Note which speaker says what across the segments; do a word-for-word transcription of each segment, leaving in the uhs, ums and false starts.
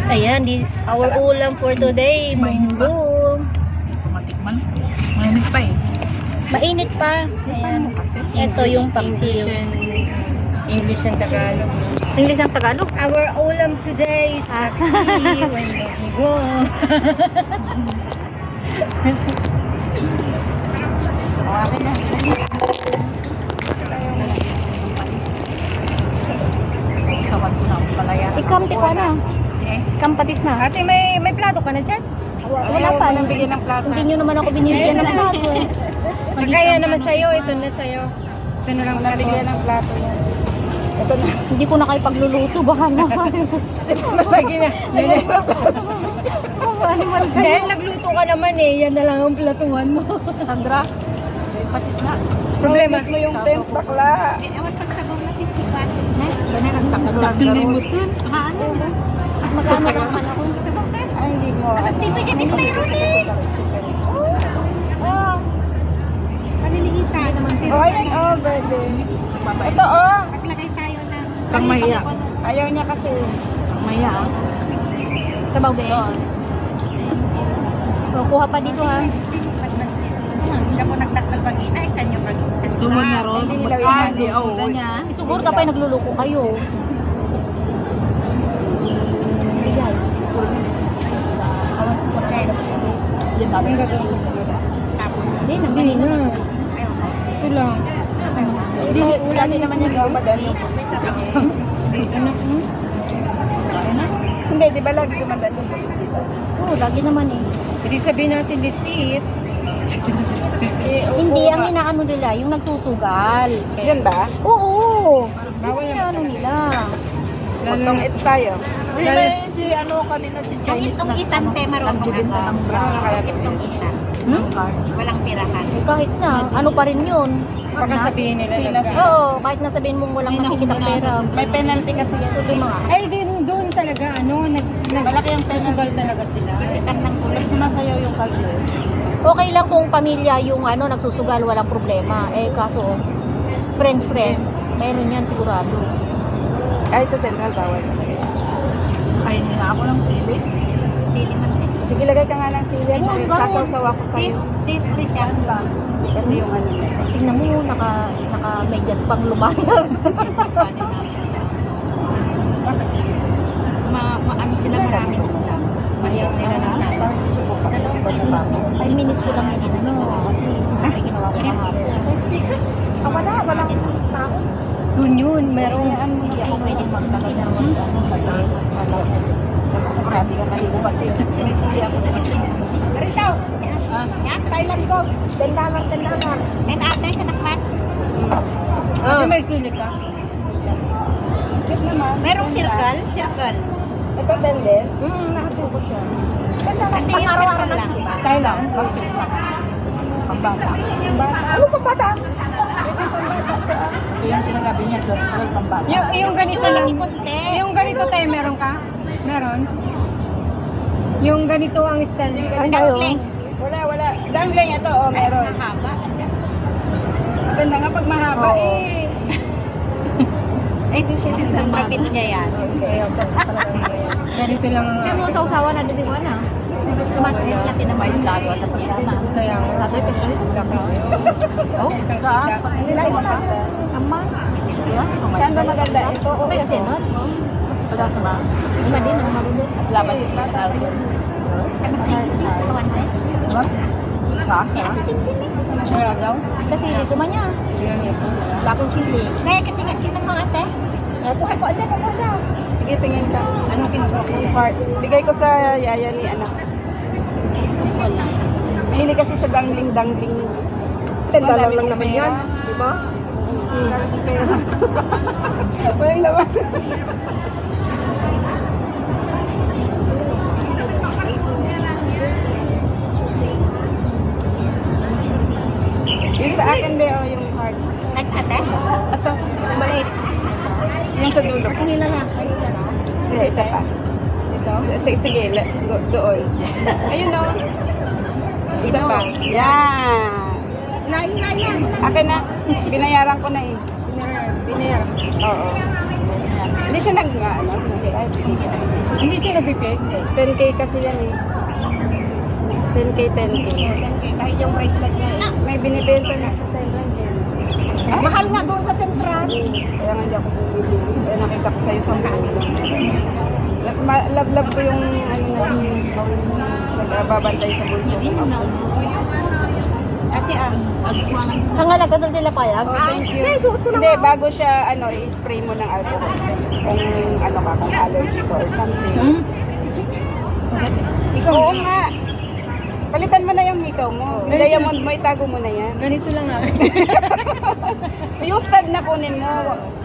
Speaker 1: Ayan, di, our ulam for today, munggo.
Speaker 2: Matikman. Mainit pa eh.
Speaker 1: Mainit pa. Ayan. Ito yung paksiw.
Speaker 3: English and Tagalog.
Speaker 1: English ang Tagalog.
Speaker 3: Our ulam today is paksiw and munggo.
Speaker 2: Akin na. Sawan ko na ang palaya.
Speaker 1: Ikamti ko na.
Speaker 2: Eh?
Speaker 1: Kampatis na.
Speaker 3: Ate, may may plato ka na dyan?
Speaker 1: Wala pa.
Speaker 2: Nang bigyan ng plata.
Speaker 1: Hindi nyo naman ako binibigyan ng plato.
Speaker 3: Kaya naman sa'yo, ito na sa'yo. Ito na lang
Speaker 2: Nabigyan ng plato yan. Ito na.
Speaker 1: Hindi ko na kayo pagluluto. Baka na.
Speaker 3: Sige na.
Speaker 1: Animal kayo.
Speaker 3: Dahil nagluto ka naman eh, yan na lang ang platuhan mo.
Speaker 2: Sandra, patis na.
Speaker 3: Problema.
Speaker 2: mo yung tent, bakla.
Speaker 1: Ewan pagsagaw na si Stefan.
Speaker 2: Ganun ang takot-takot.
Speaker 1: Ano? Magkano naman ako sa bakit?
Speaker 2: Ay, hindi mo.
Speaker 1: Ang tipi dyan is mayroon eh. Oh. Maliliitan.
Speaker 2: Oh, ayan, oh, birthday. Ito, oh.
Speaker 1: Maglagay tayo ng...
Speaker 2: Kamaya. Ayaw niya kasi.
Speaker 1: Maya. Sa bawbe. So, kuha pa dito ha.
Speaker 4: Hindi mo nagtakal pag ina, ikan nyo pag
Speaker 2: Dumon niya ron. Hindi, oh.
Speaker 1: Siguro kapay nagluluko kayo. Sige.
Speaker 2: Yan namin gagawin.
Speaker 1: Hindi, nabili na.
Speaker 3: Ito lang.
Speaker 2: Hindi, lagi naman yung gumadalo.
Speaker 3: Anak mo?
Speaker 2: Hindi, di ba lagi gumadalo yung polis dito?
Speaker 1: Oo, lagi naman eh.
Speaker 3: Hindi sabihin natin receipt.
Speaker 1: Hindi, ang inaano nila, yung nagsusugal.
Speaker 2: Yun ba?
Speaker 1: Oo.
Speaker 3: Bawal
Speaker 1: Yung
Speaker 3: yan.
Speaker 1: inaano nila.
Speaker 2: Utong it's tayo.
Speaker 3: Lalo-
Speaker 2: si ano kanina si
Speaker 4: Yung
Speaker 2: Chinese
Speaker 4: itong itan, te, marunong
Speaker 2: nagbibenta
Speaker 4: ka.
Speaker 2: ng bra.
Speaker 4: Itong itan.
Speaker 1: Hmm?
Speaker 4: Walang pirahan.
Speaker 1: Eh, kahit na, ano pa rin yun.
Speaker 3: Baka sabihin nila
Speaker 2: Sila,
Speaker 3: nagka-
Speaker 2: sila.
Speaker 1: Oo, kahit na sabihin mong walang nakikita pera.
Speaker 2: May penalty kasi yan.
Speaker 1: Tuloy mga.
Speaker 3: Ay, din doon talaga, ano, nag, nag,
Speaker 2: Malaki ang
Speaker 3: susugal talaga sila.
Speaker 4: Itan ng kulay.
Speaker 2: Pag sumasayaw yung kalye.
Speaker 1: Okay lang kung pamilya yung ano nagsusugal, walang problema. Eh kaso, friend-friend, meron yan sigurado.
Speaker 2: Ay, sa central bawal. Ay, na ako ng sili.
Speaker 4: Sili man sis.
Speaker 2: Sige, lagay ka nga ng sili.
Speaker 1: Oo, ganun.
Speaker 2: Sasaw-saw ako
Speaker 4: Sis,
Speaker 2: sa'yo.
Speaker 4: sis, please yan ba?
Speaker 2: Hindi kasi yung ano.
Speaker 1: Tingnan mo, naka, naka medyas pang lumayag.
Speaker 4: Ma, ma, ano sila maraming ulam. Mahiyaw nila ng ulam.
Speaker 1: Five minutes ko lang yung ano, kasi may ginawa ko kahapon.
Speaker 2: Ah, wala, walang tao.
Speaker 3: Doon yun, meron.
Speaker 1: Hindi ako pwedeng magtagal na mag ano, tagal.
Speaker 2: Sabi ka maligo pati yun. May sili ako sa isa.
Speaker 4: Rito!
Speaker 2: Ah,
Speaker 4: Yan, Thailand ko. Dandalang, dandalang. Men ate, kanakman.
Speaker 3: Ah. May sili ka?
Speaker 2: cute naman.
Speaker 4: Merong circle, circle.
Speaker 2: Ito din din.
Speaker 1: Hmm, nakasuko siya.
Speaker 4: Pati yung circle lang.
Speaker 3: Thailand.
Speaker 2: Pambata. Ano pambata? Ito yung sinasabi niya, circle, pambata.
Speaker 3: Yung, yung ganito lang.
Speaker 4: Ipunte.
Speaker 3: Yung ganito tayo, meron ka? Meron? Yung ganito ang stand.
Speaker 1: Ay, kayo.
Speaker 4: Dumpling.
Speaker 2: Wala, wala. Dumpling ito, oh, meron.
Speaker 4: Mahaba.
Speaker 2: Maganda nga pag mahaba
Speaker 1: Oo.
Speaker 2: eh.
Speaker 4: Ay, sisisang mapit niya yan.
Speaker 3: Ganito lang ang
Speaker 1: Kaya mo sa usawa na dito na.
Speaker 4: Mas laki naman yung lalo at pagkama.
Speaker 3: Kaya ang
Speaker 1: Sabi ko siya.
Speaker 2: Oh, ka. Nilay mo ka.
Speaker 1: Ama.
Speaker 2: Saan ba maganda? Ito, oh,
Speaker 1: May
Speaker 2: ito.
Speaker 1: kasinot.
Speaker 2: Wala sa mga.
Speaker 1: Ima din ang marunod.
Speaker 2: Laban yung bata.
Speaker 4: Sis, kawan sis.
Speaker 2: Diba? Ha? Kaya daw?
Speaker 1: Kasi dito man niya. Wala akong chili.
Speaker 4: Kaya katingan kita mga ate.
Speaker 1: Kuha ko, andyan ako siya.
Speaker 2: Sige, tingin ka. Anong kinuha ko? Part. Bigay ko sa yaya ni anak.
Speaker 1: Wala.
Speaker 2: Mahilig kasi sa dangling-dangling.
Speaker 1: ten dollar lang naman yan. Di ba?
Speaker 2: Pera. Walang laman. Yung sa akin, Beo, yung card.
Speaker 4: Nag-ate?
Speaker 2: Ito,
Speaker 4: Maliit.
Speaker 2: yung sa dulo.
Speaker 1: Kanila na. Ayun ka na.
Speaker 2: Hindi, isa pa. Ito? Sige, sige le- do- doon. Ayun o. Isa pa. Yan.
Speaker 4: Lain, lain, lain.
Speaker 2: Akin na. Binayaran ko na eh. Binayaran. Oo. Hindi siya nag, ano, hindi, ay, binigyan.
Speaker 3: Hindi siya nagpipig.
Speaker 2: ten K kasi yan eh. ten K, ten K.
Speaker 4: ten K dahil yung bracelet niya eh.
Speaker 2: May binibenta na sa Sembran din. Ay,
Speaker 4: Mahal nga doon sa Central.
Speaker 2: kaya nga hindi ako bumili. Kaya nakita ko sa'yo sa mga love-love ko yung ano na nagbabantay sa bulso.
Speaker 4: Ate ah.
Speaker 1: Hangalaga doon nila payag.
Speaker 2: Oh, thank you.
Speaker 4: Ay, suot ko na
Speaker 2: Hindi,
Speaker 4: nga.
Speaker 2: bago siya, ano, i-spray mo ng alcohol. Kung, ano ka, kung allergy ko or something.
Speaker 1: Hmm?
Speaker 2: Ikaw, oo nga. Palitan mo na yung hikaw mo. Yung diamond mo, itago mo na yan.
Speaker 3: Ganito lang ah.
Speaker 2: Yung stud na kunin mo.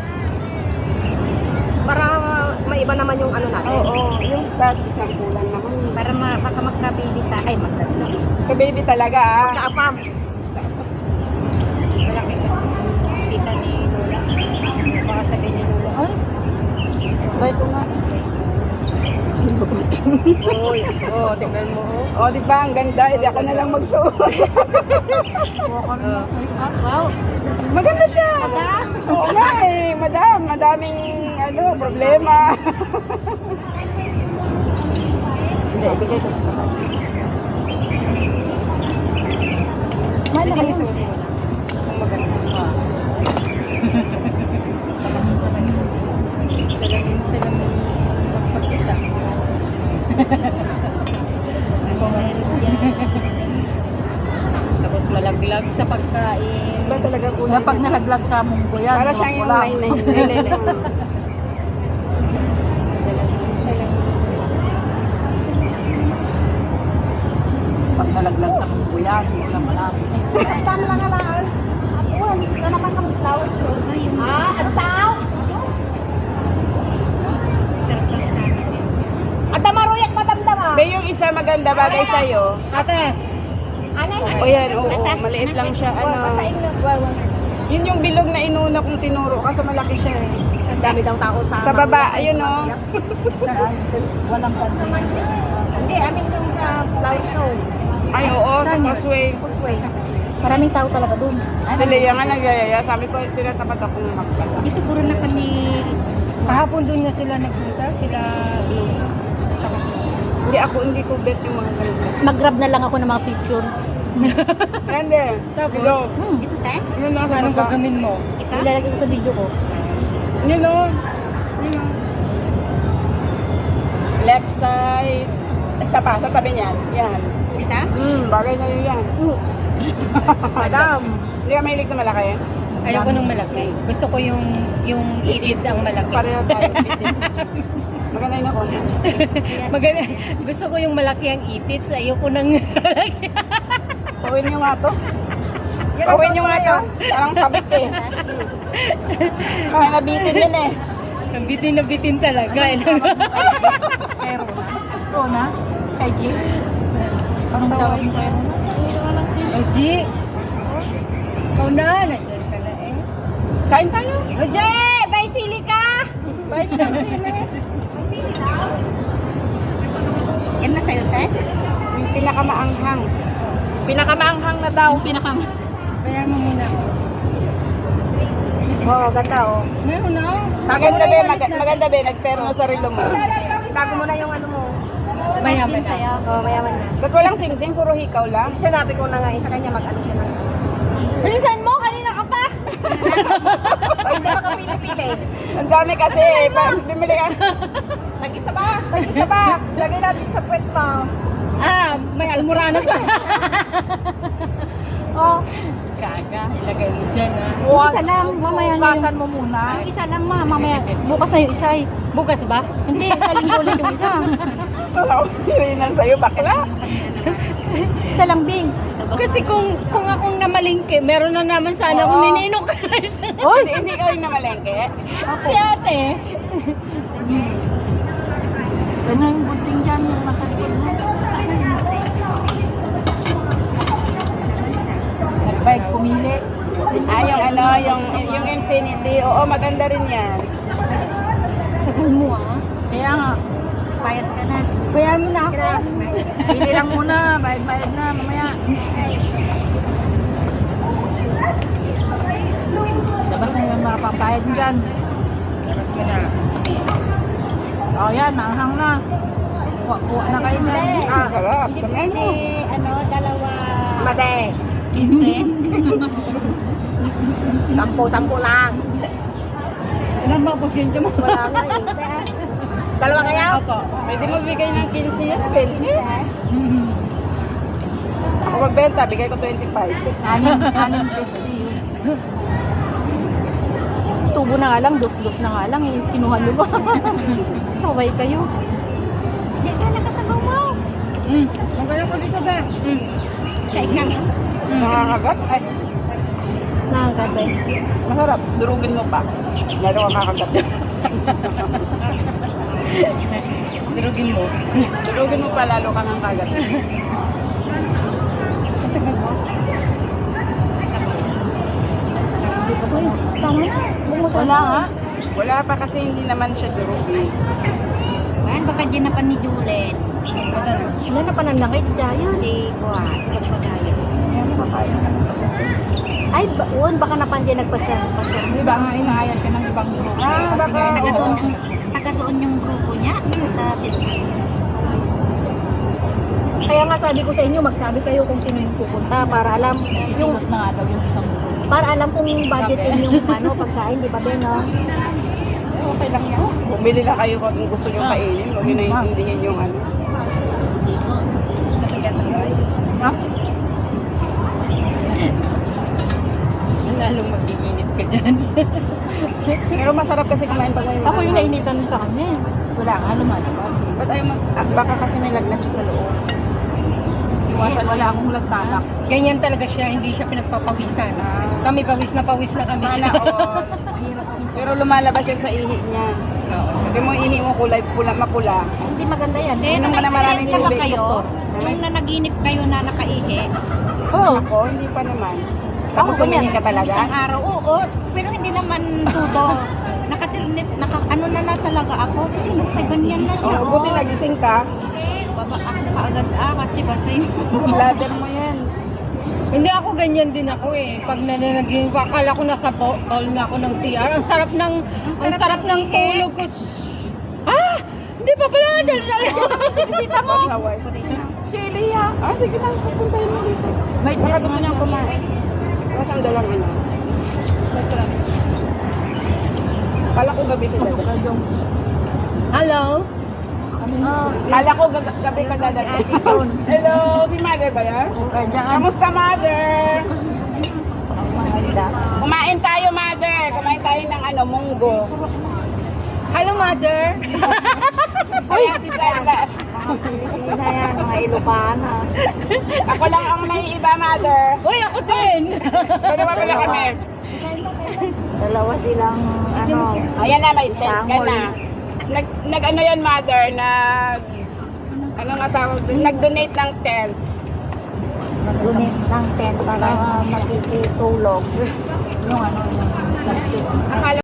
Speaker 4: Para maiba naman yung ano natin.
Speaker 2: Oo, yung stud, isang kulang naman.
Speaker 4: Para ma baka magka-baby ta. Ay, magka-baby.
Speaker 2: Ka-baby talaga, ah.
Speaker 4: Magka-apam.
Speaker 3: Kita ni Lola. Baka sabihin ni Lola. Ay,
Speaker 2: Try ko nga. Sinubot.
Speaker 3: oy, oh, tingnan mo.
Speaker 2: Oh, di ba? Ang ganda. Hindi ako na lang magsuot.
Speaker 3: Oh.
Speaker 1: Wow.
Speaker 2: Maganda siya. Oo nga eh. Madam, madaming ano, problema. Hindi, ibigay ko na sa kanya.
Speaker 1: Mahal na kayo.
Speaker 2: Ang maganda.
Speaker 3: Salamin, salamin. Pagpagkita. Ako meron yan. Tapos malaglag sa pagkain.
Speaker 2: Ba talaga kulay?
Speaker 1: Kapag nalaglag sa munggo yan.
Speaker 2: Para siyang yung nine nine nine nine.
Speaker 1: Pag nalaglag sa munggo yan, hindi lang malami.
Speaker 4: Tama lang nga lang. Apuan, ito naman ang flower show. Ah, ano tao?
Speaker 3: Sarap ng sana.
Speaker 4: At damaruyak madamdama.
Speaker 2: Be, yung isa maganda bagay sa'yo.
Speaker 3: Ate,
Speaker 4: Ano yun?
Speaker 2: O yan, oo, maliit lang siya. Ano,
Speaker 4: Masain na. Wawan.
Speaker 2: yun yung bilog na inuna kong tinuro kasi malaki siya eh.
Speaker 4: Ang dami daw tao sa...
Speaker 2: Sa baba, ayun oh.
Speaker 1: Walang pantayan.
Speaker 4: Hindi, amin yung sa flower show.
Speaker 2: Ay, oo, sa Causeway.
Speaker 4: Kusway.
Speaker 1: Maraming tao talaga doon.
Speaker 2: Dali, yan nga nagyayaya. Sabi ko, tinatapat akong magpala.
Speaker 4: Hindi siguro na kami...
Speaker 3: kahapon doon nga sila nagpunta, sila Rose. Tsaka
Speaker 2: Hindi ako, hindi ko bet yung mga ganito.
Speaker 1: Mag-grab na lang ako ng mga picture.
Speaker 2: Hindi.
Speaker 3: Tapos?
Speaker 2: Hello.
Speaker 1: Hmm.
Speaker 4: Ito tayo?
Speaker 2: Yun na, sa
Speaker 3: anong
Speaker 2: baba.
Speaker 3: gagawin mo?
Speaker 4: Ito?
Speaker 1: Ilalagay ko sa video ko.
Speaker 2: Yun o. Yun o. Left side. Isa pa, sa tabi niyan. Yan.
Speaker 4: Ito?
Speaker 2: Hmm, bagay na yun yan.
Speaker 4: Madam.
Speaker 2: Hindi ka mahilig sa malaki?
Speaker 3: Ayoko nung malaki. Gusto ko yung yung itits ang malaki.
Speaker 2: Pareho tayo. bitin. Maganda yun ako.
Speaker 3: Maganda. Gusto ko yung malaki ang itits. Ayoko nang
Speaker 2: Pawin nyo nga to.
Speaker 4: Yan ang
Speaker 2: Pawin nyo nga to.
Speaker 4: yun.
Speaker 2: Parang sabik eh. Kaya nabitin yun eh.
Speaker 3: ang bitin na bitin talaga.
Speaker 1: Kay Rona. Rona? Kay G? Anong tawag mo kay Rona?
Speaker 3: O G! Ikaw na. Nandiyan ka na eh.
Speaker 2: Kain tayo.
Speaker 3: O G! Bay sili ka! Bay sili.
Speaker 4: Yan na sa'yo, Ses?
Speaker 2: Yung pinakamaanghang. Pinakamaanghang na daw.
Speaker 1: Pinakam.
Speaker 3: Bayan mo muna.
Speaker 4: Oo, ganda oh.
Speaker 3: Meron na.
Speaker 2: Maganda be, mag maganda be. Nagterno sa relo mo.
Speaker 4: Tago mo na yung ano mo.
Speaker 3: Mayaman na.
Speaker 4: Oo, mayaman na.
Speaker 2: Ba't walang sing-sing? Puro hikaw lang?
Speaker 4: Sinabi ko na nga eh, sa kanya mag-ano siya na.
Speaker 3: Bilisan mo! Kanina ka pa!
Speaker 4: O, hindi pa ka pili-pili.
Speaker 2: Ang dami kasi eh. Pa- Bimili ka. Tag-isa ba? Tag-isa ba? Lagay natin sa puwet mo.
Speaker 3: Ah, may almoranas.
Speaker 1: Oh,
Speaker 3: Kaga, ilagay mo dyan ah.
Speaker 1: yung isa lang. Mamaya na yung...
Speaker 2: mo muna.
Speaker 1: Yung isa lang ma, mamaya. Bukas na yung isa eh.
Speaker 3: Bukas ba?
Speaker 1: Hindi, sa linggo ulit yung isa.
Speaker 2: Wala ko pilinan sa'yo, bakla.
Speaker 1: Isa lang, Bing.
Speaker 3: Kasi kung kung akong namalingke, meron na naman sana
Speaker 2: Oo.
Speaker 3: akong nininok.
Speaker 2: Oh, hindi, hindi ka yung namalengke.
Speaker 3: Si ate.
Speaker 1: Ano yung bunting dyan, yung nasa likod mo? Nag-bike pumili.
Speaker 2: Ah, yung ano, yung, yung Infinity. Oo, maganda rin yan.
Speaker 1: Sabi mo ah. Kaya nga, bayad ka na.
Speaker 3: Bayan mo na ako.
Speaker 1: Pili lang muna, bayad-bayad na, mamaya. Labas na yung mga papayad dyan.
Speaker 3: mas madami.
Speaker 2: Oh, yan, manghang na. Kuha na kayo na.
Speaker 4: Hindi.
Speaker 2: Ah, sarap.
Speaker 4: Hindi pwede, ano, dalawa.
Speaker 1: Mate.
Speaker 2: Pinse.
Speaker 1: Sampo, sampo lang.
Speaker 3: Ilan ba po siya mo?
Speaker 1: Wala nga eh. Dalawa kaya?
Speaker 3: Opo.
Speaker 2: Pwede mo bigay ng quince yan, twenty. Ako magbenta, bigay ko twenty-five.
Speaker 1: Anim, anim fifty yun. Tubo na nga lang, dos-dos na nga lang eh. Kinuha nyo ba? Saway kayo.
Speaker 4: Hindi ka nakasabaw mo.
Speaker 3: Mm. Magaling ko dito ba? Mm.
Speaker 4: Kain kami.
Speaker 2: Nakakagat? Ay,
Speaker 1: Nakagabay.
Speaker 2: masarap. Durugin mo pa. Lalo ka kakagat.
Speaker 3: Durugin mo.
Speaker 2: Durugin mo pa, lalo ka nang kagat.
Speaker 3: Kasi nag-boss.
Speaker 1: Uy, tama na. Bumusan
Speaker 2: Wala nga. Wala pa kasi hindi naman siya durugin.
Speaker 4: Ayan, baka dyan na pa ni Julen.
Speaker 1: Wala na pananangay, di tayo.
Speaker 4: Si Kuan, pagpagayo.
Speaker 2: Ayan, papaya.
Speaker 1: Ay, ba, uwan, baka napandyan nagpasya. Pasya.
Speaker 2: Di ba nga inaaya siya ng ibang grupo?
Speaker 3: Ah,
Speaker 2: Kasi
Speaker 3: baka-
Speaker 2: nga,
Speaker 4: Taga
Speaker 2: oo.
Speaker 4: doon, taga doon yung grupo niya sa Sidon.
Speaker 1: Kaya nga sabi ko sa inyo, magsabi kayo kung sino yung pupunta para alam yung
Speaker 2: Sisilos na nga daw yung isang grupo.
Speaker 1: para alam kung budgetin yung ano pagkain, di ba Ben, no?
Speaker 2: Okay lang yan. Bumili lang kayo kung gusto nyo kainin. Huwag nyo naiintindihin yung ano. Ha?
Speaker 3: Lalong mag-iinit ka dyan.
Speaker 2: Pero masarap kasi kumain pag may
Speaker 1: Ako yung nainitan sa kanya. eh.
Speaker 2: Wala nga, lumalabas. Ba't ayaw mag... Ah, baka kasi may lagnat siya sa loob. Iwasan, wala akong lagtanak.
Speaker 3: Ganyan talaga siya, hindi siya pinagpapawisan. Kami pawis na pawis na kami
Speaker 2: Sana
Speaker 3: siya.
Speaker 2: all. Pero lumalabas yan sa ihi niya. Kasi mo ihi mo kulay pula, mapula.
Speaker 1: Hindi maganda yan.
Speaker 4: Eh,
Speaker 2: Inom ka na maraming
Speaker 4: na ba
Speaker 2: tubig,
Speaker 4: kayo?
Speaker 2: doktor.
Speaker 4: Nung nanaginip kayo na nakaihi,
Speaker 1: Oo.
Speaker 2: Ako, hindi pa naman.
Speaker 1: Ako
Speaker 2: Tapos
Speaker 1: ganyan.
Speaker 2: tumingin ka talaga?
Speaker 4: isang araw, oo, pero hindi naman tudo. Nakatirnip, naka, ano na na talaga ako. Basta ganyan na siya.
Speaker 2: Oh, buti nagising ka.
Speaker 4: Baba ako kaagad ah, kasi basta yung
Speaker 2: Sa bladder mo yan.
Speaker 3: Hindi ako ganyan din ako eh. Pag nananagin, akala ko nasa bo- bowl na ako ng C R. Ang sarap ng, ang sarap ng tulog ko. Ah! Hindi pa pala.
Speaker 4: Bisita mo.
Speaker 2: Hawaii.
Speaker 4: Si Elia.
Speaker 2: Ah, sige lang. Pupuntahin mo dito. May baka gusto niyang kumain. Baka siyang dalang ano. Kala ko gabi ka dadating.
Speaker 3: Hello?
Speaker 2: Kala ko gag- gabi ka dadating. Hello, si mother ba yan? Kamusta mother? Kumain tayo mother. Kumain tayo ng ano, munggo.
Speaker 3: Hello, mother.
Speaker 2: Kaya si Sandra.
Speaker 1: Hindi na yan, mga Ilocana.
Speaker 2: Ako lang ang naiiba mother.
Speaker 3: Uy, ako din.
Speaker 2: Pero pala kami.
Speaker 1: Dalawa silang, ano,
Speaker 2: Ayan na, may tent ka
Speaker 1: Sangol.
Speaker 2: na. Nag, nag ano yan, mother, nag... Ano nga tawag doon? Nag-donate ng tent.
Speaker 1: nag-donate ng tent para makikitulog.
Speaker 2: Yung ano, yung plastic. Akala